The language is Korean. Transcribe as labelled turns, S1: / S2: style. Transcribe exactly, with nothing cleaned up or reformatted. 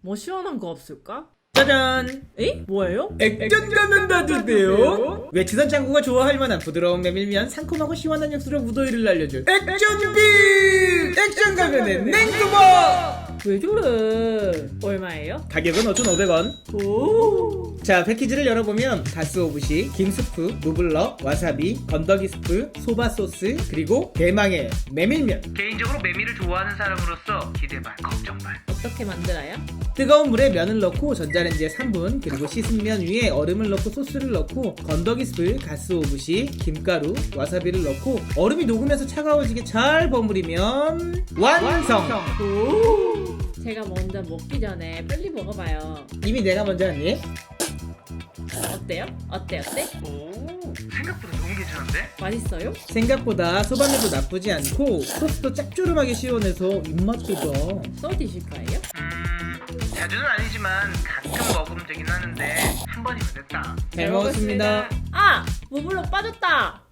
S1: 뭐 시원한 거 없을까?
S2: 짜잔!
S1: 에이? 뭐예요?
S2: 액션 가면 놔두세요. 왜 지선 창구가 좋아할 만한 부드러운 메밀면 상콤하고 시원한 육수로 무더위를 날려줄 액션빔! 액션 가면의 냉두버!
S1: 왜 저래? 얼마예요?
S2: 가격은 오천오백 원.
S1: 오.
S2: 자, 패키지를 열어보면 가스오부시, 김스프, 무블러, 와사비, 건더기 스프, 소바소스, 그리고 대망의 메밀면.
S3: 개인적으로 메밀을 좋아하는 사람으로서 기대 반 걱정 반.
S1: 어떻게 만들어요?
S2: 뜨거운 물에 면을 넣고 전자레인지에 삼 분, 그리고 씻은 면 위에 얼음을 넣고 소스를 넣고 건더기 스프, 가스오부시, 김가루, 와사비를 넣고 얼음이 녹으면서 차가워지게 잘 버무리면 완성!
S1: 오. 제가 먼저 먹기 전에 빨리 먹어봐요.
S2: 이미 내가 먼저 하니?
S1: 어때요? 어때 어때?
S3: 오, 생각보다 너무 괜찮은데?
S1: 맛있어요?
S2: 생각보다 소바매도 나쁘지 않고 소스도 짭조름하게 시원해서 입맛도 더.
S1: 써 드실 거예요?
S3: 음, 자주는 아니지만 가끔 먹으면 되긴 하는데 한 번이면 됐다.
S2: 잘 먹었습니다.
S1: 아! 무블럭 빠졌다!